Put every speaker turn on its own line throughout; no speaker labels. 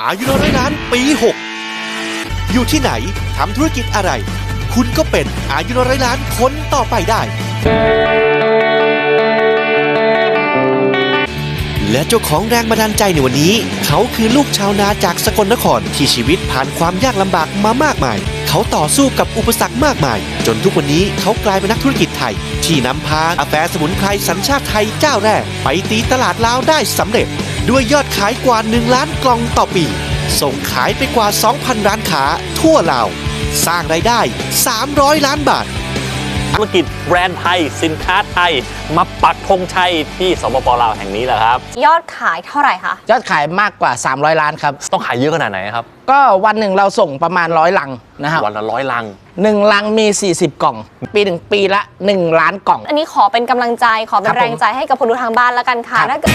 อายุน้อยล้านปี 6 อยู่ที่ไหนทำธุรกิจอะไร คุณก็เป็นอายุน้อยล้านคนต่อไปได้ และเจ้าของแรงบันดาลใจในวันนี้เขาคือลูกชาวนาจากสกลนครที่ชีวิตผ่านความยากลำบากมามากมายเขาต่อสู้กับอุปสรรคมากมายจนทุกวันนี้เขากลายเป็นนักธุรกิจไทยที่นำพากาแฟสมุนไพรสัญชาติไทยเจ้าแรกไปตีตลาดลาวได้สำเร็จด้วยยอดขายกว่า1 ล้านกล่องต่อปีส่งขายไปกว่า 2,000 ร้านค้าทั่วลาวสร้างรายได้300 ล้านบาท
ธุรกิจแบรนด์ไทยสินค้าไทยมาปักธงชัยที่สปป.ลาวแห่งนี้แหละครับ
ยอดขายเท่าไหร่คะ
ยอดขายมากกว่า300 ล้านครับ
ต้องขายเยอะขนาดไหนครับ
ก็วันหนึ่งเราส่งประมาณ100 ลังนะครับ
วันละ100 ลัง
1 ลังมี40 กล่องปีละ1 ล้านกล่อง
อันนี้ขอเป็นกำลังใจขอเป็นแรงใจให้กับคนดูทางบ้านแล้วกันค่ะถ้าเกิด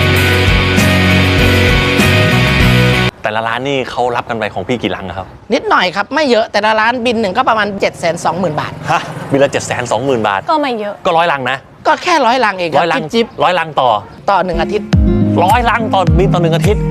แต่ละร้านนี่เขารับกันไปของพี่กี่ลังครับ
นิดหน่อยครับไม่เยอะแต่ละร้านบินหนึ่งก็ประมาณ 720,000 บาท
ฮะบินละ 720,000 บาท
ก็ไม่เยอะ
ก็100 ลังนะ
ก็แค่100 ลังเอง
100 ลัง
จิ๊บ
100 ลังต่อ
1 อาทิตย์
100 ลังต่อบินต่อ1 อาทิตย์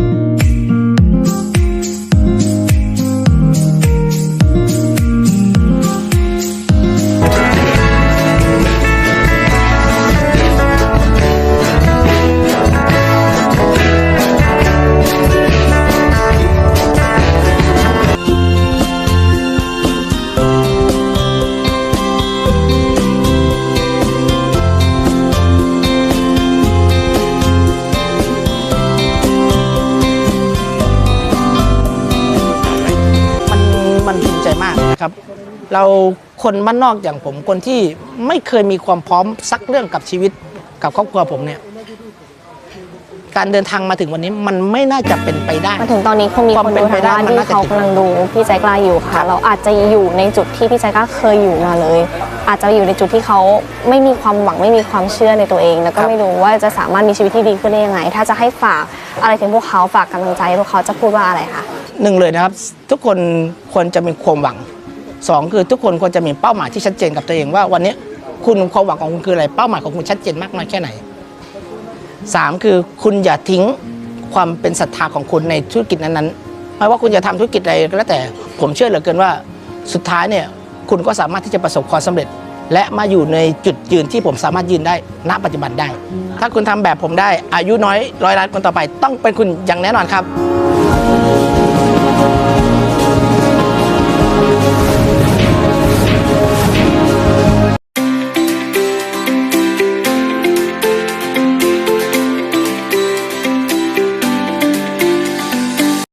มันภูมิใจมากนะครับเราคนบ้านนอกอย่างผมคนที่ไม่เคยมีความพร้อมสักเรื่องกับชีวิตกับครอบครัวผมเนี่ยการเดินทางมาถึงวันนี้มันไม่น่าจะเป็นไปได้
มาถึงตอนนี้คงมีคนดูทางบ้านที่เขากำลังดูพี่ใจกล้าอยู่ค่ะเราอาจจะอยู่ในจุดที่พี่ใจกล้าเคยอยู่มาเลยอาจจะอยู่ในจุดที่เขาไม่มีความหวังไม่มีความเชื่อในตัวเองแล้วก็ไม่รู้ว่าจะสามารถมีชีวิตที่ดีขึ้นได้ยังไงถ้าจะให้ฝากอะไรถึงพวกเขาฝากกำลังใจพวกเขาจะพูดว่าอะไรคะ
1เลยนะครับทุกคนควรจะมีความหวัง2คือทุกคนควรจะมีเป้าหมายที่ชัดเจนกับตัวเองว่าวันนี้คุณความหวังของคุณคืออะไรเป้าหมายของคุณชัดเจนมากน้อยแค่ไหน3คือคุณอย่าทิ้งความเป็นศรัทธาของคุณในธุรกิจนั้นๆไม่ว่าคุณจะทำธุรกิจอะไรก็แล้วแต่ผมเชื่อเหลือเกินว่าสุดท้ายเนี่ยคุณก็สามารถที่จะประสบความสำเร็จและมาอยู่ในจุดยืนที่ผมสามารถยืนได้ณปัจจุบันได้ถ้าคุณทำแบบผมได้อายุน้อย100 ล้านคนต่อไปต้องเป็นคุณอย่างแน่นอนครับ